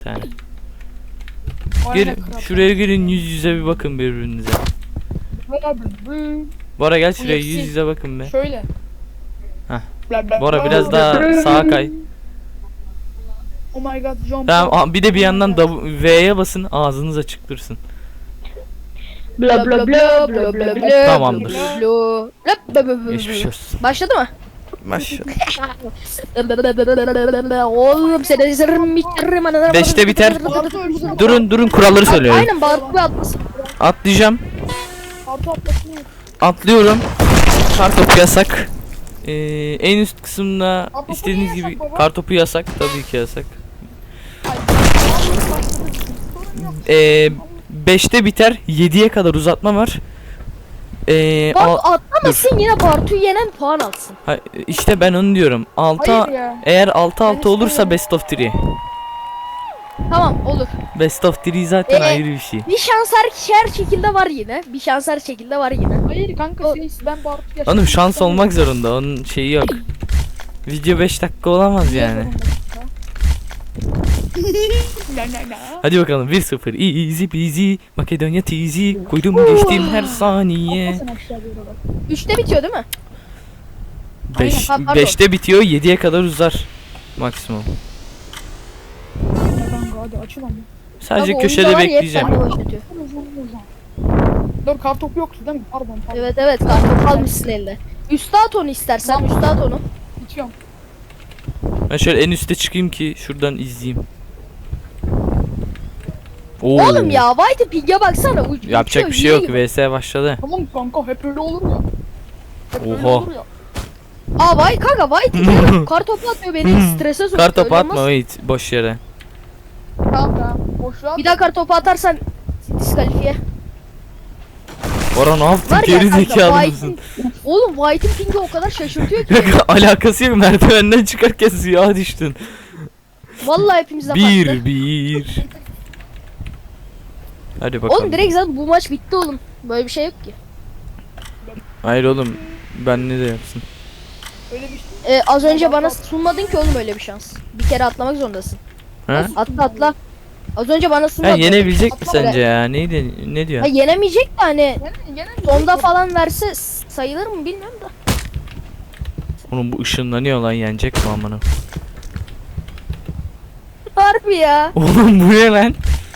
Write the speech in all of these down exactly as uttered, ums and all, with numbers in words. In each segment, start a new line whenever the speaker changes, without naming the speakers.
tane.
Aynen
Gelin
kral.
şuraya girin, yüz yüze bir bakın birbirinize.
Bora bu-
Bora gel
Bu
şuraya,
yakışık.
yüz yüze bakın be.
Şöyle.
Heh.
Bla bla
Bora
bla
biraz
bla
daha
bla.
sağa kay.
Oh my god, John
Tamam,
Paul.
aa, bir de bir
Oh
yandan
my God.
W- V'ye basın, ağzınız açık dursun.
Bla bla bla bla bla bla.
Tamamdır.
bla bla. Bla bla bla bla.
Geçmiş olsun.
Başladı mı?
Maşallah.
Oğlum seni zırhım bitiririm anana.
Beşte biter.
Bartu ölsün.
Durun durun, kuralları söylüyorum.
Aynen Bartu atlasın.
Atlayacağım.
Bartu atlasın.
Atlıyorum. Kartopu yasak. Ee, en üst kısımda
Kartopu
istediğiniz
niye
gibi
yasak baba?
kartopu yasak, tabii ki yasak.
Ay,
Ee, beşte biter, yediye kadar uzatma var. Ee, al-
Bartu atlamasın, yine Bartu'yu yenen puan alsın.
ha, işte ben onu diyorum. altı
Hayır ya.
eğer altı altı
Ben
olursa
istemiyorum.
best of üç.
Tamam olur.
Best of üç zaten
Ee,
ayrı bir şey.
Bir şans her, her şekilde var yine. Bir şans her şekilde var yine.
Hayır kanka
O-
şey, ben Bartu yaşamak
Oğlum şans
istemiyorum.
olmak zorunda, onun şeyi yok. Video beş dakika olamaz yani.
Na, na, na.
Hadi bakalım, bir sıfır easy peasy Makedonya teasy, koydum geçtim her saniye.
Atlasın aşağı doğru bak.
Üçte bitiyor değil mi?
beş
Aynen, pardon.
beşte bitiyor, yediye kadar uzar maksimum.
Ya kanka hadi açıl ama.
Sadece
Tabii
köşede
oyuncular
bekleyeceğim.
yepyeni başlatıyor.
Uzun uzun. Dur kartopu yoktu değil mi? Pardon pardon.
Evet evet kartop kalmışsın elde. Üste at onu istersen, üste at onu.
İçiyorum.
Ben şöyle en üste çıkayım ki şuradan izleyeyim. Oo.
Oğlum ya White Pig'e baksana. uç-
Yapacak
uçuyor,
bir şey yok.
yine gibi.
V S başladı.
Tamam kanka hep öyle olur ya. Hep öyle
Oha.
olur ya.
Aa White kanka White Pig'e kartopu atıyor, beni strese sokuyor.
Kar topu
Öyle
atma
olmaz.
wait, boş yere.
Tamam tamam. Boş ver.
Bir daha kartopu atarsan diskalifiye.
Bora ne yaptın?
Var ya
Geri
kanka
zekalı
White'in...
mısın?
Oğlum White'in ping'i o kadar şaşırtıyor ki.
Alakası yok, merdivenden çıkarken suya düştün.
Vallahi hepimize farklı.
Bir bir. Hadi bakalım.
Oğlum direkt zaten bu maç bitti oğlum. Böyle bir şey yok ki.
Hayır oğlum, ben ne de yapsın.
Öyle bir şey.
Ee, az önce bana sunmadın ki oğlum öyle bir şans. Bir kere atlamak zorundasın.
Ha?
Atla atla. Az önce bana
Ha,
sunmadın.
yenebilecek mi
Atla
sence ya? Neydi? Ne diyor?
Ha yenemeyecek de hani
Gene, gene mi?
sonda falan verse sayılır mı bilmiyorum da.
Oğlum bu ışınlanıyor lan, yenecek mi amına?
Harbi ya.
Oğlum bu ne lan?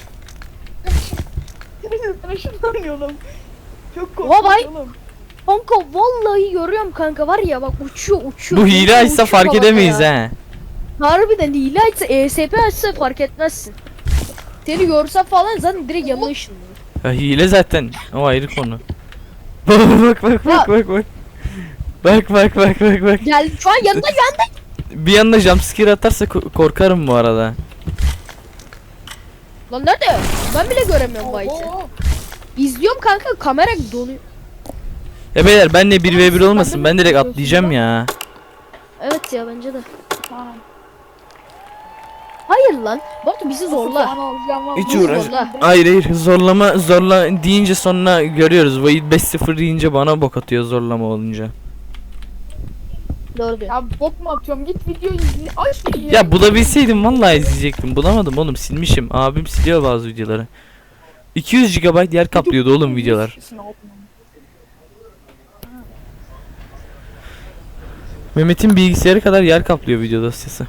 Sana şundan oğlum. Çok
Oha, vay.
korkunç oğlum.
Kanka vallahi görüyorum kanka, var ya bak uçuyor uçuyor.
Bu
uçuyor,
hile açsa
uçuyor
fark
havada
edemeyiz
ya.
ha.
Harbiden hile açsa, E S P açsa fark etmezsin. Seni görse falan zaten direkt yanına ışınlanır.
Ya hile zaten. O ayrı konu. Bak bak bak bak bak bak. Bak bak bak bak bak.
Gel şu an yanında yanında.
Bir yandan jumpscare atarsa ko- korkarım bu arada.
Lan nerede? Ben bile göremiyorum bu White'i.
Oo,
İzliyorum kanka, kamera donuyor.
Ya beyler, benle bir ve bir olmasın, ben direkt atlayacağım ya.
Evet ya bence de.
Tamam.
Hayır lan. Batu bizi zorla.
Puan alacağım var.
Hiç
Bizi
uğraş.
zorla.
Hayır hayır, zorlama zorla deyince sonra görüyoruz. Void beş sıfır deyince bana bok atıyor zorlama olunca.
Doğru diyor.
Ya bok mu atıyorum? Git videoyu izle. Aç videoyu.
Ya bulabilseydim vallahi izleyecektim. Bulamadım oğlum, silmişim. Abim siliyor bazı videoları. iki yüz gigabayt yer kaplıyordu oğlum videolar. Mehmet'in bilgisayarı kadar yer kaplıyor video dosyası.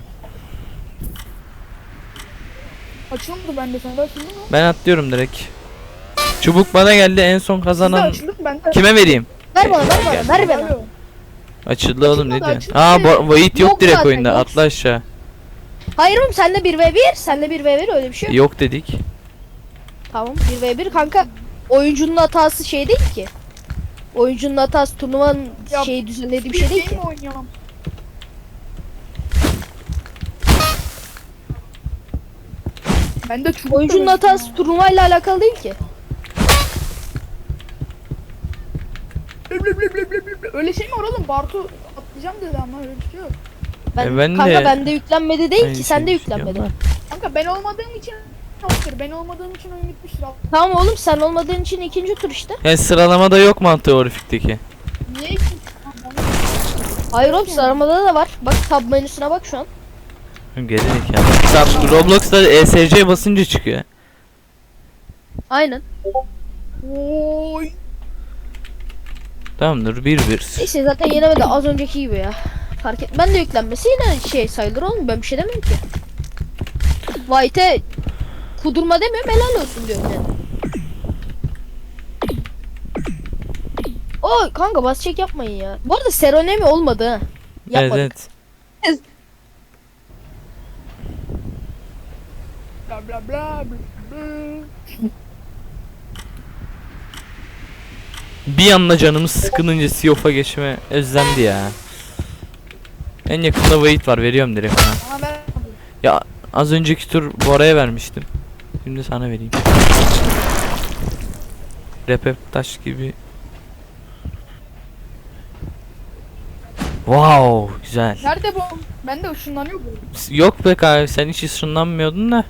Açıldı bende, sende açıldı mı?
Ben atlıyorum direkt. Çubuk bana geldi, en son
Sizde
kazanan
açıldı mı? Bende
kime vereyim?
Ver bana, ver bana, ver bana.
Alo.
Açıldı oğlum, ne
Açılmadı,
diyorsun?
açıldı.
Aa bo- Void yok
Yok
direkt
zaten,
oyunda,
yok.
atla aşağı.
Hayır oğlum, senle bir ve bir, senle bir ve bir öyle bir şey yok.
Yok dedik.
Tamam, bir ve bir kanka. Oyuncunun hatası şey değil ki. Oyuncunun hatası turnuvanın
Ya,
şeyi düzenlediği bir şey değil ki.
mi oynayalım? Ben de çubuk
Oyuncunun
da
hatası turnuvayla alakalı değil ki.
Blip blip blip blip blip blip. Öyle şey mi var oğlum? Bartu atlayacağım dedi ama öyle bir şey yok.
Ben,
E, ben
kanka
de-
bende yüklenmedi değil
Aynı
ki, sende
şeyi
yüklenmedi.
düşünüyorum
Kanka ben olmadığım için yoktur. Ben olmadığım için oyun bitmiştir.
Tamam oğlum, sen olmadığın için ikinci tur işte.
Yani sıralamada yok mantığı Orifik'teki.
Niye ki?
Hayır oğlum, sıralamada da var. Bak tab menüsüne bak şu an.
Geri zekalı. Tam Roblox'ta E S C basınca çıkıyor.
Aynen.
Oy.
Tamamdır bir bir.
Neyse zaten yenemedi az önceki gibi ya. Fark et. Ben de yüklenmesi yine şey sayılır oğlum. Ben bir şey demiyorum ki. White'e kudurma demiyorum, helal olsun diyorum yani. Oy kanka bas çek yapmayın ya. Bu arada seronemi olmadı ha.
Evet
Yapmadık.
evet.
Bla bla bla bla bla.
Bir anda canımız sıkılınca Sea of'a geçme özlendi ya. En yakında Wait var, veriyorum direkt ona.
Bana ver.
Ya az önceki tur Bora'ya vermiştim. Şimdi sana vereyim. Repep taş gibi. Wow, güzel.
Nerede bu? Ben de ışınlanıyor bu.
Yok be abi, sen hiç ışınlanmıyordun da.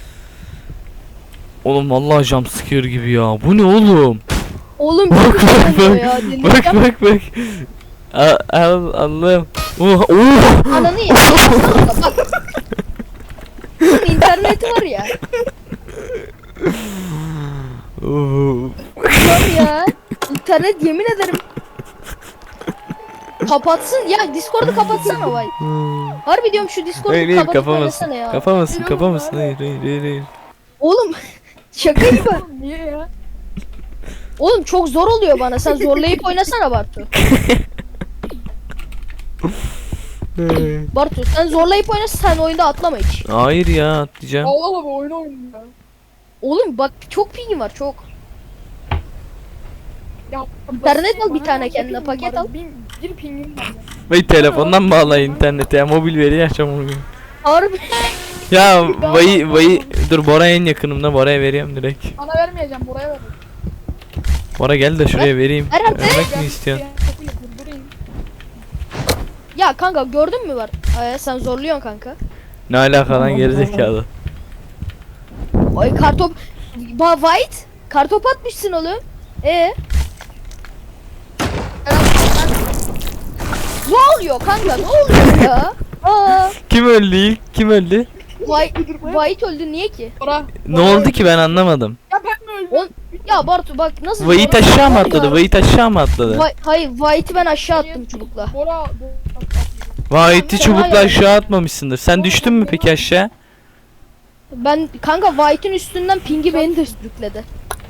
Oğlum vallahi jumpscare gibi ya. Bu ne oğlum?
Oğlum
Bak,
bir şey
bak,
oluyor
bak.
ya.
Bak
Delireceğim.
bak bak. Al, al Allah'ım. Oh, oh.
Ananı ye. Bak. Bunun interneti var ya.
Oh.
Var ya. İnternet yemin ederim. Kapatsın ya, Discord'u kapatsana vay. Harbi diyorum şu Discord'u
Hayır hayır,
kapatıp
kapamasın.
oynasana ya.
Kapamasın kapamasın. Hayır hayır hayır. hayır.
Oğlum şaka gibi.
Niye ya?
Oğlum çok zor oluyor bana. Sen zorlayıp oynasana Bartu. Bartu sen zorlayıp oynasana, sen oyunda atlama hiç.
Hayır ya, atlayacağım.
Allah Allah bu oyunu oynuyor ya.
Oğlum bak çok pingin var çok.
Ya,
İnternet al bir
bana
tane
ne
kendine,
pingim
paket
var?
al.
Bir, bir pingim var. ya.
Vay telefondan bağla internete ya, mobil veri açacağım onu.
Harbi.
Ya vay vay, dur Bora en yakınımda, Bora'ya veriyorum direkt.
Bana vermeyeceğim, buraya ver.
Bora gel de şuraya vereyim.
Herhalde.
Vermek mi istiyorsun?
Kapıyı durdurayım.
Ya kanka gördün mü var? Ee, sen zorluyorsun kanka.
Ne alaka lan gerizekalı.
Ay kartop. Ba White. Kartop atmışsın oğlum. E ne oluyor kanka? Ne oluyor ya? Aa,
Kim öldü ilk? Kim öldü?
White, White öldü niye ki?
Bora.
Ne oldu ki, ben anlamadım.
Ya ben mi öldüm?
On, ya Bartu bak nasıl?
Vayit aşağı mı atladı? Vayit aşağı mı atladı?
Vay, hayır White'i ben aşağı attım çubukla.
Bora.
Vayit'i çubukla aşağı atmamışsındır. Sen düştün mü peki aşağı?
Ben kanka White'in üstünden pingi beni de sürükledi.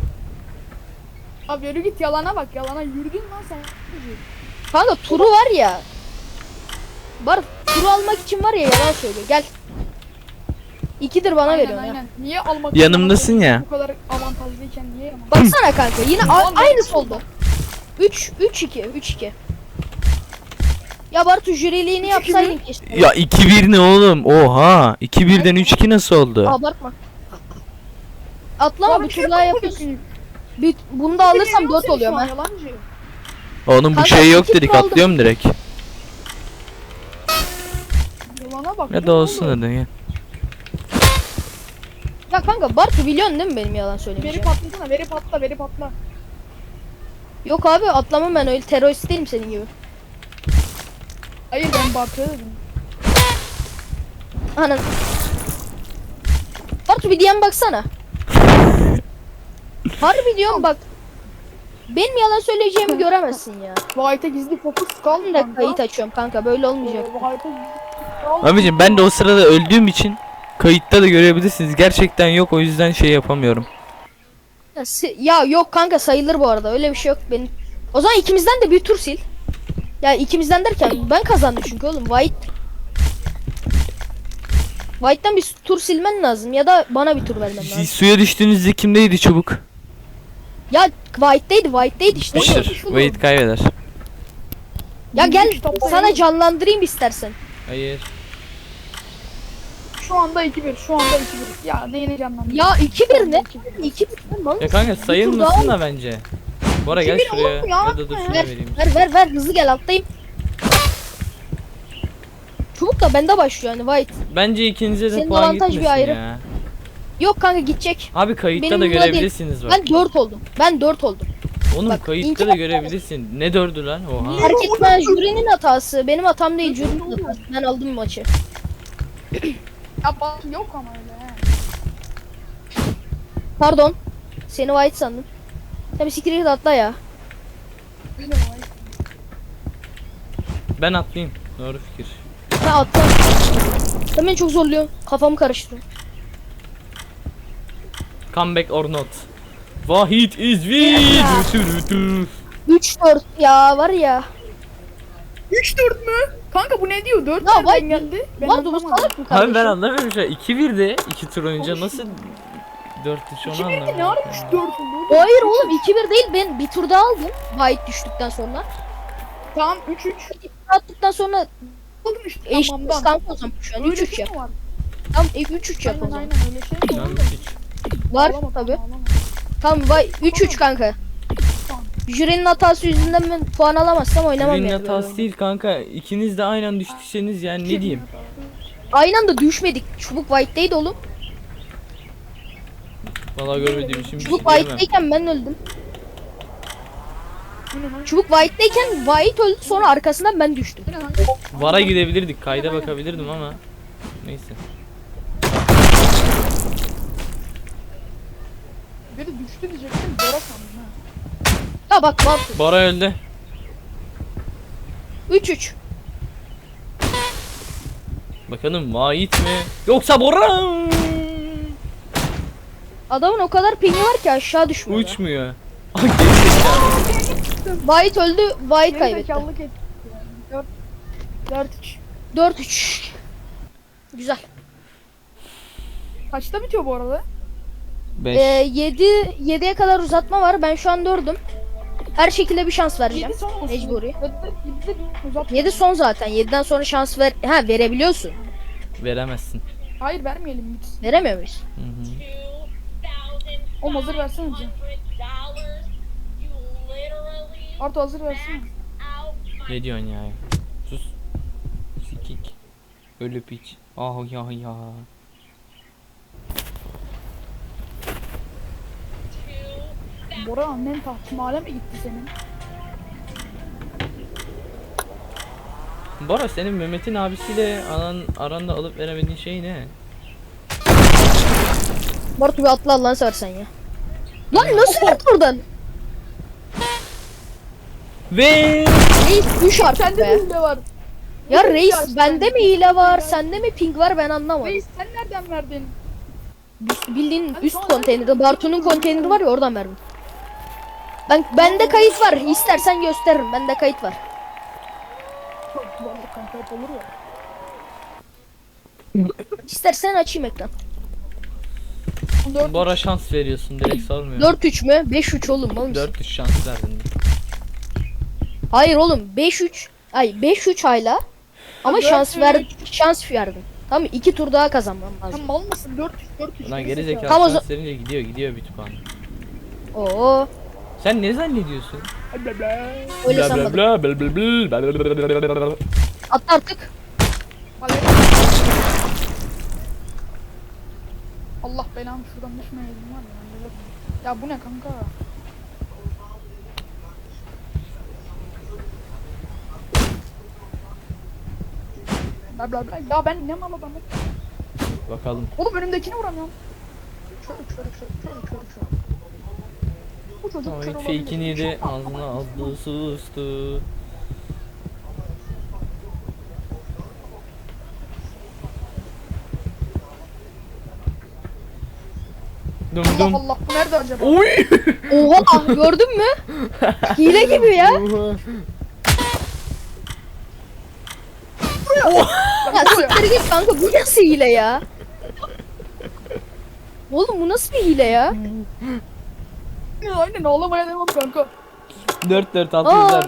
Abi yürü git, yalana bak, yalana yürüdün lan sen.
Kanka turu var ya. Bar turu almak için var ya, yalan söylüyor. Gel. İkidir bana
Aynen
veriyorsun ya.
aynen. Niye almak
Yanımdasın ya.
Bu kadar avantajlıyken niye yalan?
Baksana kanka yine a- aynısı oldu. üç üç iki üç iki. Ya Bartu jüriliğini yapsaydın keşke.
Ya iki bir ne oğlum? Oha! iki birden üç iki nasıl oldu?
Abartma. Atlama
Abi
bir
kim
tur daha
bu
yapıyorsun.
peki?
Bir, bunu da alırsam
Yok
dört
senin
oluyorum
şu an,
ha.
yalancı.
Onun bu
Kanka,
şey yok
iki
dedik,
tur aldım.
atlıyorum direkt.
Yalana bak.
Ya
ne
da olsun
oldu?
hadi ya.
Ya kanka Bartu biliyorsun değil mi benim yalan
Veri
söylemeyeceğim?
patlasana, veri patla, veri patla.
Yok abi atlamam, ben öyle terörist değilim senin gibi.
Hayır ben Bartu'ya dedim.
Anan. Bartu bir diyen baksana. Harbi diyorum bak. Benim yalan söyleyeceğimi göremezsin ya.
White'a gizli fokus kaldı.
Ben de kayıt açıyorum kanka, böyle olmayacak.
White'a gizli fokus kaldı.
Abicim ben de o sırada öldüğüm için kayıtta da görebilirsiniz. Gerçekten yok, o yüzden şey yapamıyorum.
Ya, si- ya yok kanka sayılır bu arada, öyle bir şey yok benim. O zaman ikimizden de bir tur sil. Ya ikimizden derken ben kazandım çünkü oğlum. White White'tan bir tur silmen lazım ya da bana bir tur vermen
Siz
lazım.
suya düştüğünüzde kimdeydi çubuk?
Ya White'deydi, White'deydi işte.
Mışır. Wait kaybeder.
Ya gel
Kitapta
sana
yok.
canlandırayım istersen.
Hayır.
Şu anda iki bir, şu anda iki bir. Ya ne yeneceğim ben?
Ya iki bir ne?
iki bir.
iki bir lan.
Ya kanka sayılmasın da bence. Bora gel
iki bir
şuraya.
oğlum ya,
Ya da dur
ya.
şuraya vereyim.
Ver ver ver hızlı gel, atlayayım. Çubuk da bende başlıyor hani White.
Bence ikinize de
Senin
puan
avantaj bir
gitmesin
ayrı.
ya.
Yok kanka gidecek.
Abi kayıtta
Benim
da
buna değil.
görebilirsiniz bak.
Ben dört oldum. Ben dört oldum.
Oğlum
bak,
kayıtta
inkar
da
etmez.
görebilirsin. Ne dördü lan? Oha.
Fark etmez, jürinin hatası. Benim hatam değil, jürinin hatası. Ben aldım maçı.
Ya Bartu yok ama öyle he.
Pardon. Seni white sandım. Sen bir siktir git atla ya.
Öyle var.
Ben atlayayım. Doğru fikir.
Ben atla. Sen beni çok zorluyorsun. Kafamı karıştırıyor.
Comeback or not. Vahit is win.
üç dört ya var ya.
üç dört mü? Kanka bu ne diyor? dört
Ya
nereden
vay-
geldi? Ben
Lan bu
anlamadım.
salak mı
Abi
kardeşim?
ben anlamıyorum şu an. iki birdi. iki tur önce
Oğlum,
nasıl dört üç onu
iki birde
anlamıyorum.
ne ara üç dört oldu?
Hayır oğlum iki bir değil, ben bir tur daha aldım. White düştükten sonra.
Tamam üç üç.
Attıktan sonra
Aldın işte
eşit
tamamdan.
kanka o zaman şu an üç
Öyle
üç
şey
yap.
mi var?
Tamam üç üç yap o
Aynen
zaman.
aynen öyle şey mi
Ben
var?
hiç.
Var
Ağlama,
tabi.
ağlama.
Tamam vay üç üç kanka.
Tamam.
Jürinin hatası yüzünden ben puan alamazsam oynamam
Birinin
yani.
hatası değil kanka. İkiniz de aynen anda düştüyseniz yani ne diyeyim.
Aynı anda düşmedik. Çubuk white'deydi oğlum.
Vallahi görmediğim için bir şey
Çubuk
diyemem.
white'deyken ben öldüm.
Bu ne lan?
Çubuk white'deyken white öldü, sonra arkasından ben düştüm.
Bu ne lan?
Vara gidebilirdik. Kayda bakabilirdim ama. Neyse.
Biri düştü diyecektim. Bora sandım ha.
Ya bak bak.
Bora öldü.
üç üç.
Bakalım Vahit mi? Yoksa Bora?
Adamın o kadar pingi var ki aşağı düşmüyor.
Uçmuyor. Ah, gerizekalı.
White öldü, white
Geri
kaybetti.
zekalılık etti. dört dört üç.
dört üç. Güzel.
Kaçta bitiyor bu arada?
beş.
Ee, yedi yediye kadar uzatma var. Ben şu an dördüm. Her şekilde bir şans vereceğim.
yedi son olsun.
Mecburi.
yedide bir uzat.
yedi son zaten. yediden sonra şans ver. Ha verebiliyorsun.
Veremezsin.
Hayır vermeyelim hiç.
Veremiyor muyuz?
Hı hı.
O hazır versene canım. Arto hazır versene.
Ne diyorsun ya? Sus. Sikik. Ölü piç. Ah ya ya.
Bora annen tahtimale mi gitti senin?
Bora senin Mehmet'in abisiyle anan aranda alıp veremediğin şey ne?
Bartu bir atla Allah'ını seversen ya. Lan nasıl gitti buradan?
Ve
Reis düş artık
Sende
be.
de hile var.
Ya
Reis
reis
ya,
bende
sen-
mi hile var, sende mi ping var ben anlamadım.
Reis sen nereden verdin?
Bildiğin
Ben
üst
sonra-
konteynerde Bartu'nun konteyneri var ya, oradan verdim. Ben bende kayıt var. İstersen gösteririm. Bende kayıt var.
Vallahi kanka hep olur ya.
İstersen açayım ekran.
dört
Bora şans veriyorsun direkt sormuyorum.
dört üç mü? beş üç oğlum. Mal mısın?
dört üç şans verdin.
Hayır oğlum beş üç. Ay beş üç hala. Ama
dört
şans
üç.
ver şans verdim. Tamam iki tur daha kazanmam
Sen
lazım.
mal mısın? dört üç dört üç.
Lan
Geri
geri
zekalı.
zekalı
Tam o
şans
za-
verince gidiyor gidiyor bir puan.
Oo,
Sen ne zannediyorsun?
Bla bla.
öyle sanmadım.
bla bla bla bla bla bla bla.
Atla artık.
Hadi. Allah belanı şuradan düşmeyelim var ya. ben de- Ya bu ne kanka? Bla bla bla. Ya ben ne mal adamım.
Bakalım.
Oğlum önümdekini vuramıyorum. Şöyle şöyle şöyle şöyle şöyle şöyle. Bu çocuk
Ama
kör
ilk
olabilir.
fake'ini yedi
Çok-
ağzına aldı sustu. Dum
Allah
dum.
Allah bu nerede acaba?
Oy!
Oha gördün mü? Hile gibi ya. Ya siktir git kanka, bu nasıl hile ya? Oğlum bu nasıl bir hile ya?
Ya, aynen ağlamaya devam kanka.
dört dört
Aa.
altı yüzler.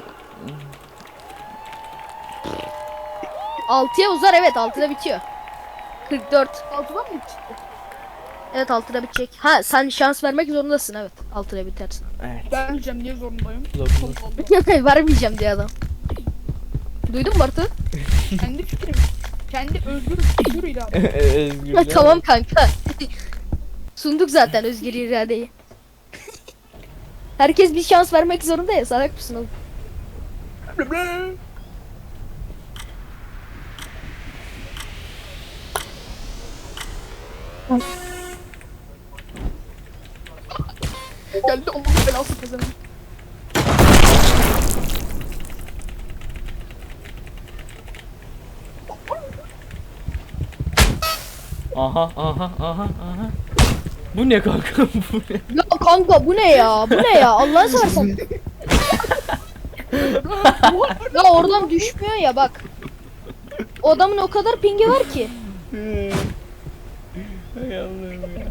altıya uzar, evet altıda bitiyor. kırk dört.
Altıdan mı çıktı?
Evet altıda bitecek. Ha sen şans vermek zorundasın, evet altıda bitersin.
Evet.
Ben diyeceğim niye zorundayım?
Zorundasın.
Allah Allah.
Vermeyeceğim diye adam. Duydun mu Bartu?
Kendi fikrim. Kendi özgür özgür irade.
Özgürler.
Tamam kanka. Sunduk zaten özgür iradeyi. Herkes bir şans vermek zorunda ya, salak mısın oğlum?
Geldi Allah'ın belası kazanım.
Aha aha aha aha. Bu ne kanka bu ne?
Ya kanka bu ne ya? Bu ne ya? Allah'ını seversen. Ya oradan düşmüyor ya bak. O adamın o kadar pingi var ki.
Hay Allah'ım ya.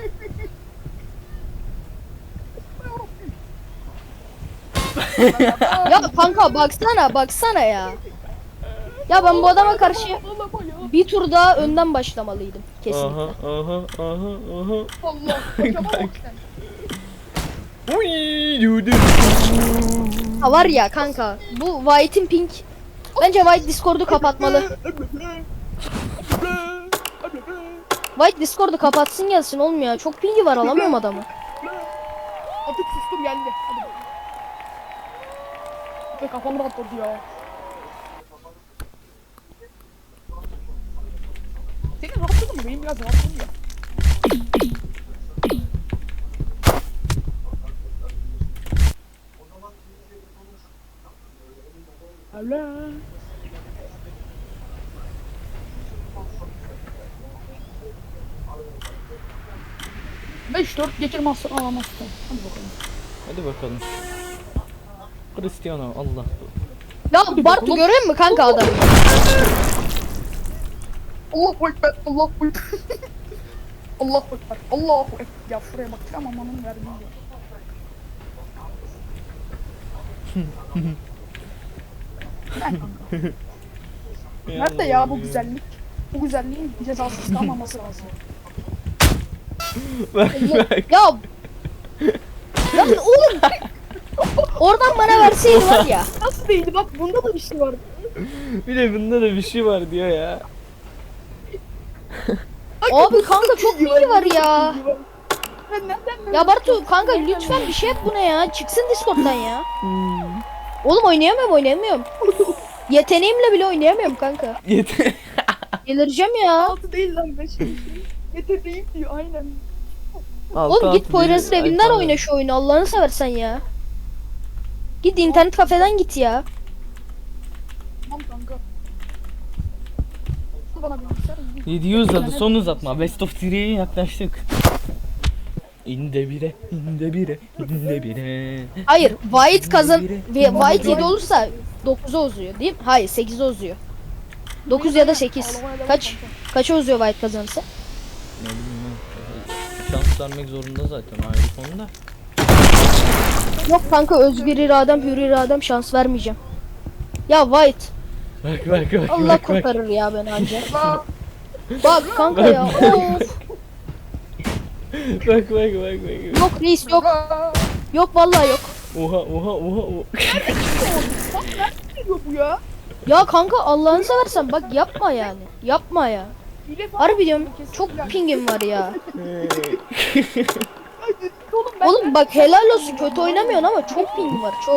Ya kanka baksana baksana ya. Ya ben bu adama karşı bir tur daha önden başlamalıydım kesinlikle.
Aha aha aha aha.
Allah. Kocaman bak sen.
Uy, dudu.
Ha var ya kanka bu White'in ping. Bence White Discord'u kapatmalı. White Discord'u kapatsın gelsin olmuyor. Çok pingi var alamıyorum adamı.
Artık sustum geldi. Hadi. Ve kafam rahat oldu ya. Senin rahatladın mı? Benim biraz rahatladım ya. Allah. Beş dört geçirmezsen alamazsın. Hadi bakalım.
Hadi bakalım. Cristiano Allah.
Ya Bartu görüyor musun kanka adamı?
Allahu ekber, Allahu ekber. Allahu ekber, Allahu ekber. Ya şuraya bak ama amanın verdiği yer. Ben kanka. Nerede ya bu güzellik? Bu güzelliğin cezasız kalmaması lazım.
Bak bak.
Ya Ya oğlum oradan bana verseydi var ya.
Nasıl değildi? Bak bunda da bir şey vardı.
Bir de bunda da bir şey var diyor ya.
Abi kanka çok bilgi var ya.
Ben nereden
Ya Bartu kanka lütfen bir şey yap buna ya. Çıksın Discord'dan ya. Oğlum oynayamıyorum oynayamıyorum. Yeteneğimle bile oynayamıyorum kanka.
Yeter.
Delireceğim ya.
altı değil lan beş. Yeteneğim diyor aynen.
Oğlum git Poyraz'ın evinden oyna şu oyunu Allah'ını seversen ya. Git internet kafeden git ya.
Tamam kanka. Bana bilgisayar.
yedi yüz uzadı son uzatma. Best of three'ye yaklaştık. İnde bire, inde bire, inde bire.
Hayır White kazan ve White yedi olursa dokuza uzuyor değil mi? Hayır sekize uzuyor. dokuz ya da sekiz. Kaç? Kaça uzuyor White kazanırsa?
Ne bileyim ben. Şans vermek zorunda zaten ayrı konuda.
Yok kanka özgür iradem hür iradem şans vermeyeceğim. Ya White
Bak bak bak
Allah
bak bak.
kurtarır ya beni anca. Bak kanka ya. Of.
Bak bak bak bak.
Yok reis yok. Yok vallahi yok.
Oha oha oha oha.
Ne diyor bu ya?
Ya kanka Allah'ını seversen bak yapma yani. Yapma ya.
Hile falan.
Harbi diyorum çok pingim var ya.
Oğlum ben
Oğlum bak helal olsun kötü oynamıyorsun ama çok pingim var çok.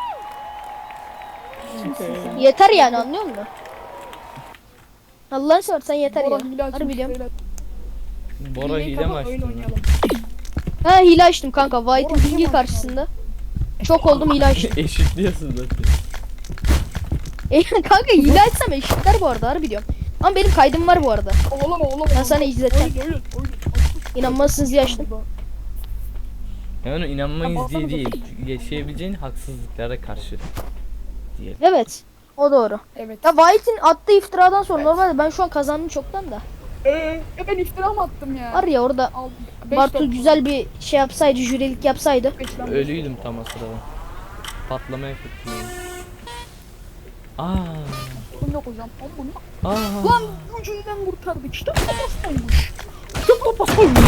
Yeter yani anlıyor musun? Allah'ını seversen yeter ya.
Bora hile açmış
Harbi diyorum.
beyler.
Bora
Hileyi
hile mi
kapat, oyun
açtın?
oynayalım.
Ha hile açtım kanka. White'ın
Bora,
pingi
hile
karşısında. Çok oldum hile açtım.
Eşitliyorsun zaten.
E, kanka hile açsam eşitler bu arada harbi diyorum. Ama benim kaydım var bu arada.
Oğlum oğlum.
Ben sana izleteceğim.
Oyun oyun oyun.
İnanmazsınız diye açtım.
Yani inanmayız
Tamam,
diye
tamam.
değil. Yaşayabileceğin haksızlıklara karşı. Diyelim.
Evet. O doğru.
Evet.
Ya White'in attığı iftiradan sonra normalde ben şu an kazandım çoktan da.
Eee ben iftira mı attım ya?
Var ya orada
Aldım. Beş
Bartu
dört
güzel bir şey yapsaydı, jürilik yapsaydı.
beş lan.
Ölüydüm tam o sırada. Patlama efekti. Aa.
Bu yok hocam. Oğlum bunu.
Aa.
Lan ucundan kurtardık. İşte papastaymış. İşte papastaymış.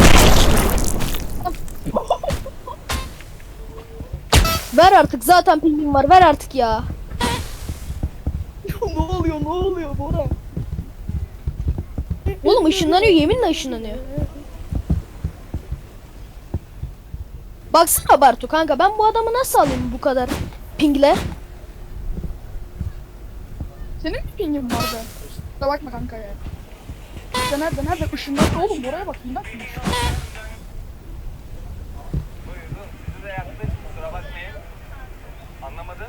Ver artık zaten pingim var ver artık ya.
Ne oluyor ne oluyor Bora?
Oğlum ışınlanıyor yeminle ışınlanıyor. Baksana Bartu kanka ben bu adamı nasıl alayım bu kadar pingle?
Senin mi pingin var be? Kusura bakma kanka ya. Nerede nerede nerede? Işınlandı oğlum, buraya bak. Bak.
Size yaptık, kusura bakmayın. Anlamadın?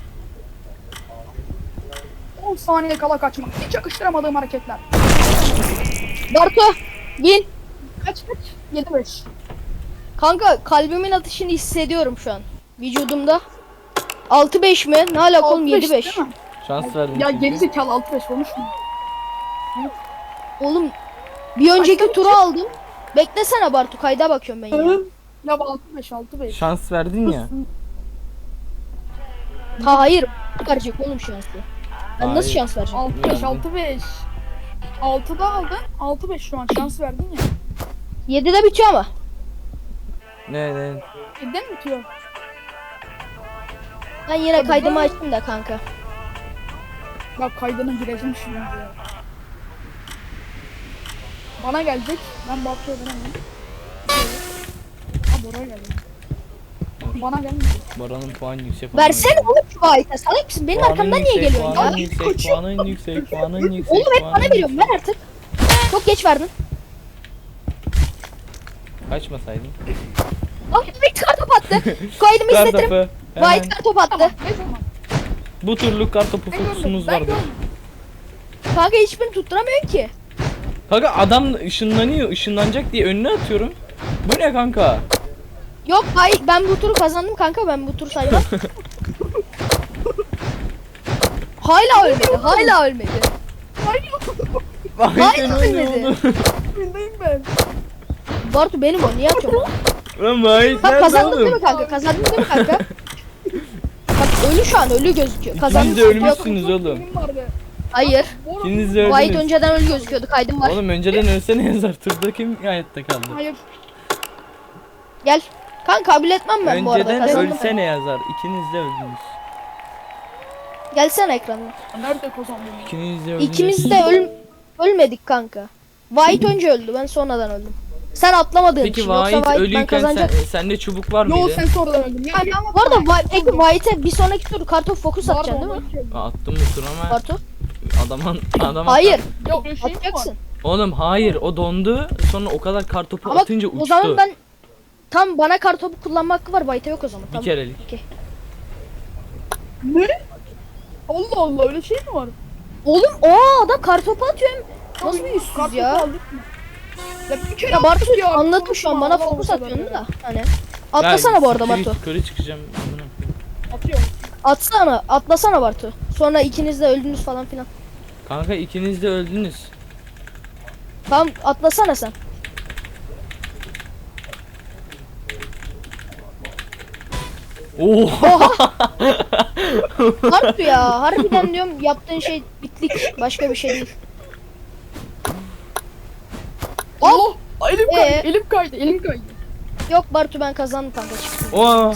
on saniye kala kaçmak. Hiç yakıştıramadığım hareketler.
Bartu bin.
Kaç kaç? yedi beş.
Kanka kalbimin atışını hissediyorum şu an. Vücudumda. altı beş mi? Ne alaka oğlum yedi beş.
Şans verdim.
Ya
çünkü.
gerizekalı altı beş olmuş mu?
Oğlum bir önceki
Kaçta
turu aldım. Beklesene Bartu kayda bakıyorum ben ya.
Ya altı beş altı beş.
Şans verdin ya.
Ha hayır. Verecek oğlum şansı. Ben nasıl
Hayır.
şans vereceğim?
altı beş altı beş. altıda aldın. altı beş şu an şans verdin ya.
yedide bitiyor ama.
Ne ne.
yedide mi bitiyor?
Ben yine kaydımı açtım da kanka.
Bak kaydına gireceğim şimdi ya. Bana gelecek. Ben Bartu'ya veremem. Ha Bora geldi. Bana gelmedi.
Baran'ın puan yüksek.
Versene oğlum şu ayete. Salak mısın? Benim
Puanın
arkamdan niye
yüksek,
geliyorsun ya?
Puanın yüksek, puanın yüksek, puanın yüksek.
Oğlum hep
puanın
bana veriyorsun. Ver artık. Çok geç verdin.
Kaçmasaydın.
Ah White kar top attı. Kaydımı
Kar
izletirim.
topu. Hemen.
White kar top attı.
Ne zaman?
Bu turluk kar topu
Ben görmedim.
fokusumuz
Ben
vardı.
görmedim.
Kanka hiçbirini tutturamıyorsun ki.
Kanka adam ışınlanıyor, ışınlanacak diye önüne atıyorum. Bu ne kanka?
Yok hayır ben bu turu kazandım kanka ben bu turu saymam. Hala ölmedi. Hala ölmedi.
Vay
Hayır,
sen
ölmedi.
öyle oldu.
Bildeyim ben.
Bartu benim o niye atıyorsun?
Lan vay
Bak
nerede
kazandın değil mi
oğlum?
kanka? Kazandın değil mi kanka? Bak ölü şu an ölü gözüküyor. Kazandın.
İkiniz de ölmüşsünüz oğlum.
Benim vardı.
Hayır.
Bora-
İkiniz de
White
öldünüz.
önceden ölü gözüküyordu kaydım var.
Oğlum önceden ölsene yazar. Turda kim hayatta kaldı?
Hayır.
Gel. Kanka kabul etmem ben bu arada
Önceden
kazandım.
ölsene yazar. İkiniz de öldünüz.
Gelsene ekranına.
Nerede kazandım?
İkiniz de öldünüz.
İkimiz de öl ölmedik kanka. White önce öldü ben sonradan öldüm. Sen atlamadığın
Peki
için yoksa
Vahit
White ben
ölüyken sen,
kazanacak.
sende çubuk var
Yo
mıydı?
sen sonradan öldün. Ya, ya,
Bu arada Whi- peki White'e bir sonraki tur kartop fokus atacaksın değil mi?
Aa, attım bu tur ama
Bartu?
adamın adam
Hayır.
Yok öyle şey mi var?
Atacaksın.
Oğlum hayır o dondu. Sonra o kadar kar topu
Ama
atınca uçtu.
o zaman ben tam bana kartopu kullanma hakkı var White'e yok o zaman.
Bir
Tamam.
kerelik.
Ne? Allah Allah öyle şey mi var?
Oğlum o adam kartopu atıyor hem nasıl bir yüzsüz
Kartopu
ya?
aldık mı? Ya bir kere
Ya Bartu
aldık ya.
anladım şu an bana
Allah
fokus
Allah
atıyorsun
ya.
da hani. Atlasana bu arada
siktir
Bartu.
git, Yukarı çıkacağım. Amına koyayım.
Atıyorum.
Atsana, atlasana Bartu. Sonra ikiniz de öldünüz falan filan.
Kanka ikiniz de öldünüz.
Tamam atlasana sen.
Oha.
Bartu ya harbiden diyorum yaptığın şey bitlik. Başka bir şey değil.
Allah! Elim
Ee?
kaydı, elim kaydı, elim kaydı.
Yok Bartu ben kazandım kanka çıktım.
Oha.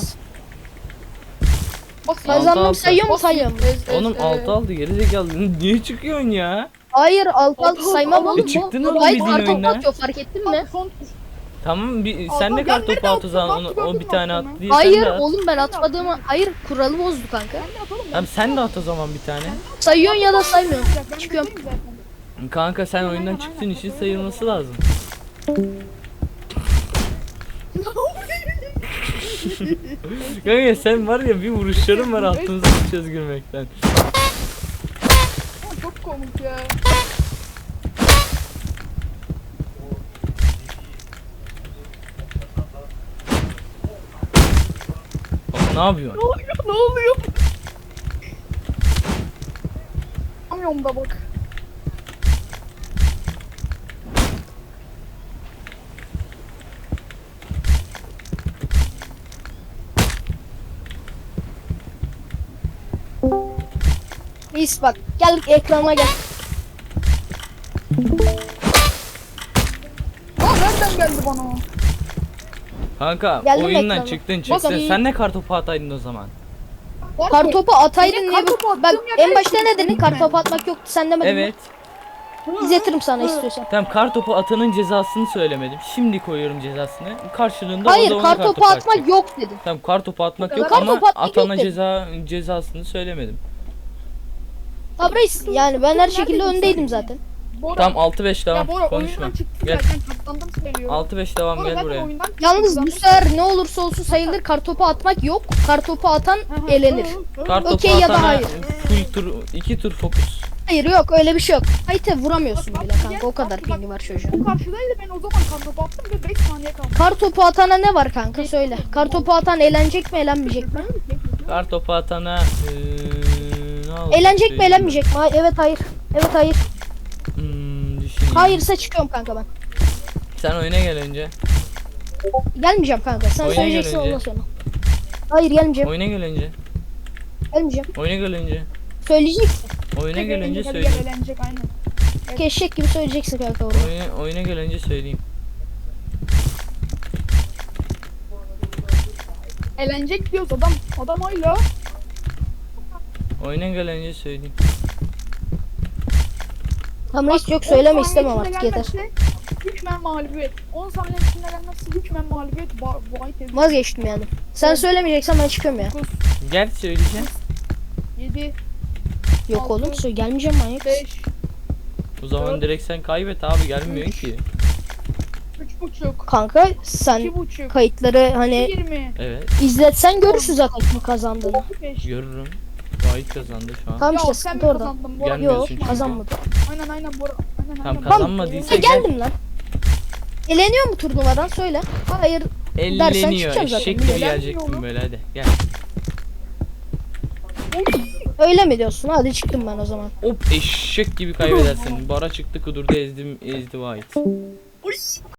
Bak
Altı
Kazandım
altı.
sayıyor mu
Bak,
sayıyor mu?
ez- ez-
Oğlum
e,
altı aldı geri zekalı. Niye çıkıyorsun ya?
Hayır alt alt
Altı,
saymam
altı,
oğlum.
E çıktın
bu-
oğlum
Hayır
bizim
kartopu
oyundan.
atıyor fark ettin mi?
Bak, son tur.
Tamam bir,
Altı,
sen de
ben
kar
nerede
topu at o
attım?
zaman.
Bak,
Onu, o
gördün
bir
mü
tane at
attığımı?
diye sen
Hayır
de at.
oğlum ben atmadığımı hayır kuralı bozdu kanka.
Ne yapalım?
Tamam sen de at o zaman bir tane.
Sayıyorsun ya da saymıyorsun.
Ben
Çıkıyorum.
buradayım zaten.
Kanka sen oyundan çıktığın için sayılması lazım. Kanka sen var ya bir vuruşların var altımıza sıçacağız gülmekten.
Ama çok komik ya.
Bak ne yapıyorsun?
Ne oluyor? Ne oluyor? Anlamıyorum da bak.
Reis bak gel ekrana gel.
Aa nereden geldi bana o?
Kanka
Geldim
oyundan
ekrana.
çıktın
Bak,
çıktın.
iyi.
Sen ne kartopu ataydın o zaman?
Bak,
Kartopu ataydın
Benim
diye
kartopu
bak,
attığım
bak
yerde
en başta ne
çıktı
dedin
ben.
kartopu atmak yoktu sen demedin mi?
Evet.
İzletirim sana istiyorsan.
Tamam kartopu atanın cezasını söylemedim. Şimdi koyuyorum cezasını. Karşılığında o
Hayır
da ona
kartopu
kartopu
atmak
atacak.
yok dedin.
Tamam kartopu atmak yok
Kartopu
ama
atmak yok
atana
dedim.
ceza cezasını söylemedim.
Tabi reis yani ben her şekilde öndeydim zaten.
Bora.
Tamam altı beş
Ya
devam.
Bora
Konuşma.
oyundan çıktı
Gel.
zaten katlandım söylüyorum.
altı beş devam
Bora
gel
zaten
buraya.
oyundan çıktı,
Yalnız bu
kazandım.
sefer ne olursa olsun sayılır, kartopu atmak yok. Kartopu atan
Hı hı,
elenir.
hı hı.
Kartopu
Okey ya da
atana
hayır.
full tur iki tur fokus.
Hayır yok öyle bir şey yok. Hayte vuramıyorsun
Bak,
bile
bak,
kanka, o
bak,
kadar
bak.
pingi var çocuğun.
Bu karşıdaydı, ben o zaman kartopu attım ve beş saniye kaldı.
Kartopu atana ne var kanka söyle. Kartopu atan eğlenecek mi eğlenmeyecek mi?
Kartopu atana eee ne oldu?
Eğlenecek mi
Söyleyeyim
eğlenmeyecek mi? Hayır, evet hayır. Evet hayır.
Hmm, düşüneyim.
Hayırsa çıkıyorum kanka ben.
Sen oyuna gel önce.
Gelmeyeceğim kanka. Sen
Oyuna
söyleyeceksin
gel önce.
ondan sonra. Hayır gelmeyeceğim.
Oyuna gel önce.
Gelmeyeceğim.
Oyuna gel önce.
Söyleyeceksin.
Oyuna gel önce
Gel,
söyleyeyim.
gel, eğlenecek aynen.
Eşek gibi söyleyeceksin kanka orada.
Oyuna, oyuna gel önce söyleyeyim.
Eğlenecek diyoruz adam. Adam hala.
Oyuna gel önce söyleyeyim.
Tamam hiç yok
on
söyleme
saniye
istemem
içinde
artık yeter.
gelmezse hükmen mağlubiyet. on saniye içinde gelmezse hükmen mağlubiyet. Ba- White Event.
Vazgeçtim yani. Sen söylemeyeceksen ben çıkıyorum ya.
Gel söyleyeceğim.
yedi,
Yok
Altı,
oğlum söyle gelmeyeceğim manyak.
beş,
O zaman direkt sen kaybet abi, gelmiyor ki.
üç buçuk,
Kanka sen
iki buçuk,
kayıtları hani
yirmi,
Evet,
izletsen görürsün zaten kim kazandığını.
beş.
görürüm. Vahit kazandı şu an.
Tamam
Ya
işte
sen
sıkıntı
mi
orada.
kazandın? Bora?
Gelmiyorsun
Yok
çünkü.
kazanmadı.
Aynen aynen Bora. Aynen
Tamam,
aynen.
kazanmadıysa
Ha,
gel.
geldim lan. Eleniyor mu turnuvadan söyle. Hayır dersen
Elleniyor.
çıkacağım zaten.
Eşek gibi
Elenmiyor
gelecektim
oğlum.
böyle, hadi gel.
öyle mi diyorsun? Hadi çıktım ben o zaman.
Hop, eşek gibi kaybedersin. Bara çıktı kudurdu, ezdim ezdi Vahit.